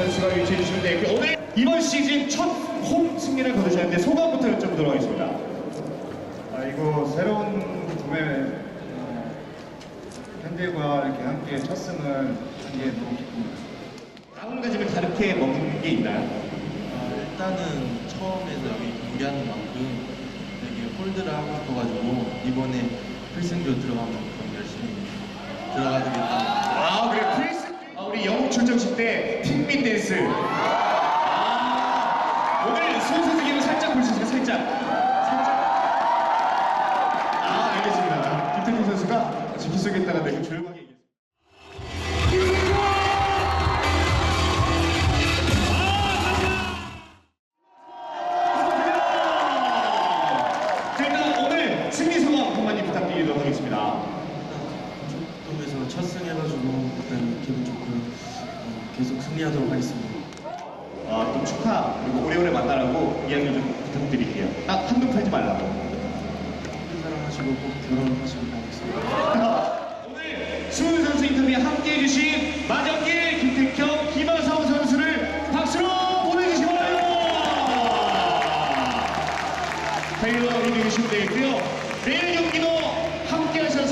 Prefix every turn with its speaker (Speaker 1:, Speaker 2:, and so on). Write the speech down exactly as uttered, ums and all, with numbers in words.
Speaker 1: 선수가 위치해 주시면 되겠고, 오늘 이번 시즌 첫 홈 승리를 거두셨는데 소감부터 여쭤보도록 하겠습니다.
Speaker 2: 아, 이거 새로운 구매 어, 팬들과 이렇게 함께 첫 승을 한 게 너무 기쁩니다.
Speaker 1: 마음가짐을 다르게 먹는 게 있나요?
Speaker 3: 아, 일단은 처음에서 여기 경기하는 만큼 되게 홀드를 하고 싶어가지고 이번에 필승조 들어가면 그럼 열심히 들어가야 되겠다.
Speaker 1: 아, 그래, 프리스. 아, 우리 영국 출정식 때 핑민 댄스. 아, 오늘 손수 기면 살짝 볼 수 있을까? 살짝. 살짝. 아, 알겠습니다. 김태균 선수가 지키 속에다가 매우 조용하게 얘기했습니다. 자, 일단 오늘 승리 소감 한마디 부탁드리도록 하겠습니다.
Speaker 3: 일단 첫 승해가지고 일단 기분 좋고요. 어, 계속 승리하도록 하겠습니다.
Speaker 1: 아, 또 축하 그리고 오래오래 만나라고 이야기 좀 부탁드릴게요. 딱 한눈 팔지 말라고.
Speaker 3: 큰 사랑하시고 꼭 결혼하시길 바라겠습니다.
Speaker 1: 오늘 수훈 선수 인터뷰에 함께해 주신 마정길, 김택형, 김하성 선수를 박수로 보내주시기 바랍니다. 테일러 이동해 주시면 되겠고요. 내일 경기도 함께 하셔서